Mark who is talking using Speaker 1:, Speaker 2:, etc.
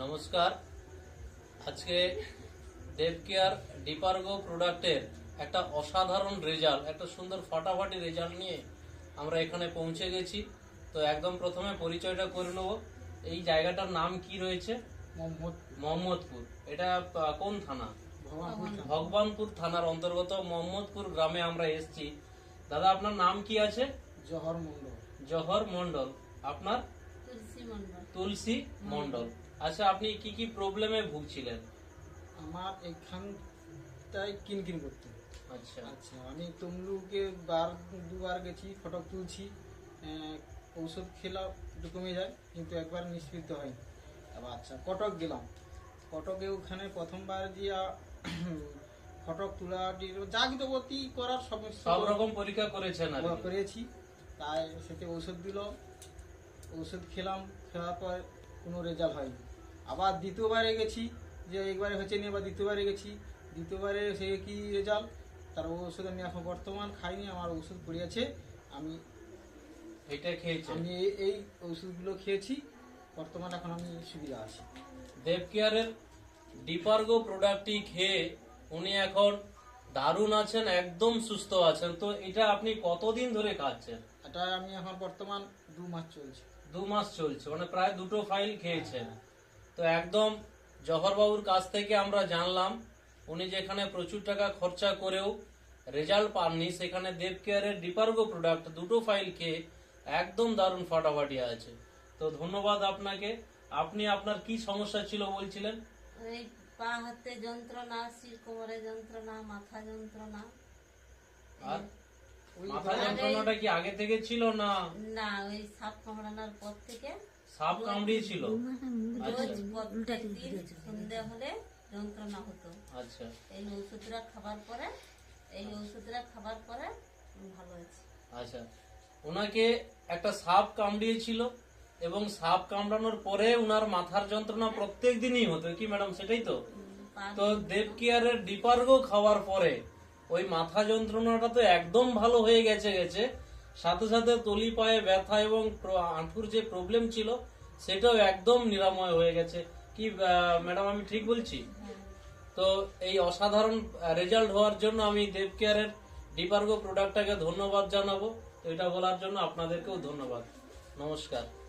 Speaker 1: নমস্কার। আজকে দেবকেয়ার ডিপারগো প্রোডাক্টের একটা অসাধারণ রেজাল্ট, একটা সুন্দর ফাটাফাটি রেজাল্ট নিয়ে আমরা এখানে পৌঁছে গেছি। তো একদম প্রথমে পরিচয়টা করে নেব। এই জায়গাটার নাম কি রয়েছে? মোহাম্মদপুর। এটা কোন থানা? ভগবানপুর থানার অন্তর্গত মোহাম্মদপুর গ্রামে আমরা এসেছি। দাদা, আপনার নাম কি আছে?
Speaker 2: জহর মন্ডল।
Speaker 1: জহর মন্ডল। আপনার? তুলসী মন্ডল। আচ্ছা, আপনি কি কি প্রবলেমে ভুগছিলেন?
Speaker 2: আমার এখানটায় কিনকিন করতে।
Speaker 1: আচ্ছা
Speaker 2: আচ্ছা, আমি তমলুকে দুবার গেছি, ফটো তুলছি, ঔষধ খেলা একটু কমে যায়, কিন্তু একবার নিষ্পৃত হয়নি। আচ্ছা, কটক গেলাম। কটকে ওখানে প্রথমবার গিয়া ফটক তোলা যাগিতবতী করার
Speaker 1: সব রকম পরীক্ষা করেছেন?
Speaker 2: করেছি। তাই সেটা ঔষধ দিল, ওষুধ খেলাম, খাওয়ার পর কোনো রেজাল্ট হয়নি। আবার দ্বিতীয়বারে গেছি, যে একবারে হচ্ছে নি, আবার দ্বিতীয়বারে গেছি। দ্বিতীয়বারে সে কি রেজাল্ট, তার ওষুধ আমি এখন বর্তমান খাইনি, আমার ওষুধ পড়িয়েছে। আমি
Speaker 1: এটা খেয়েছি,
Speaker 2: আমি এই ওষুধগুলো খেয়েছি, বর্তমান এখন আমি সুবিধা আছি।
Speaker 1: দেবকেয়ারের ডিপারগো প্রোডাক্টটি খেয়ে উনি এখন দারুণ আছেন, একদম সুস্থ আছেন। তো এটা আপনি কতদিন ধরে খাচ্ছেন?
Speaker 2: এটা আমি এখন বর্তমান 2 মাস চলছে।
Speaker 1: 2 মাস চলছে, মানে প্রায় 2টো ফাইল খেয়েছেন। তো একদম জহরবাবুর কাছ থেকে আমরা জানলাম, উনি যেখানে প্রচুর টাকা খরচা করেও রেজাল্ট পাননি, সেখানে দেবকেয়ারের ডিপারগো প্রোডাক্ট 2টো ফাইল খেয়ে একদম দারুণ ফাটাফাটি আছে। তো ধন্যবাদ আপনাকে। আপনি আপনার কি সমস্যা ছিল বলছিলেন?
Speaker 3: এই পা হাতে যন্ত্রণা, শির কোমরে যন্ত্রণা, মাথা যন্ত্রণা।
Speaker 1: আর মাথা যন্ত্রণাটা কি আগে থেকে ছিল না?
Speaker 3: না, ওই সাপ কামড়ানোর পর থেকে
Speaker 1: সাপ কামড়িয়েছিল?
Speaker 3: রোজ প্রত্যেকদিন সন্ধে হলে যন্ত্রণা হতো।
Speaker 1: আচ্ছা,
Speaker 3: এই ওষুধটা খাবার পরে ভালো হয়েছে।
Speaker 1: আচ্ছা, ওনাকে একটা সাপ কামড়িয়েছিল এবং সাপ কামড়ানোর পরে উনার মাথার যন্ত্রণা প্রত্যেক দিনই হতো, কি ম্যাডাম? সেটাই তো। তো দেবকেয়ারের ডিপারগো খাওয়ার পরে ওই মাথা যন্ত্রণাটা তো একদম ভালো হয়ে গেছে, সাথে সাথে তলি পায়ে ব্যথা এবং হাঁটুর যে প্রবলেম ছিল সেটাও একদম নিরাময় হয়ে গেছে। কি ম্যাডাম, আমি ঠিক বলছি? তো এই অসাধারণ রেজাল্ট হওয়ার জন্য আমি দেবকেয়ারের ডিপারগো প্রোডাক্টটাকে ধন্যবাদ জানাবো। তো এটা বলার জন্য আপনাদেরকেও ধন্যবাদ। নমস্কার।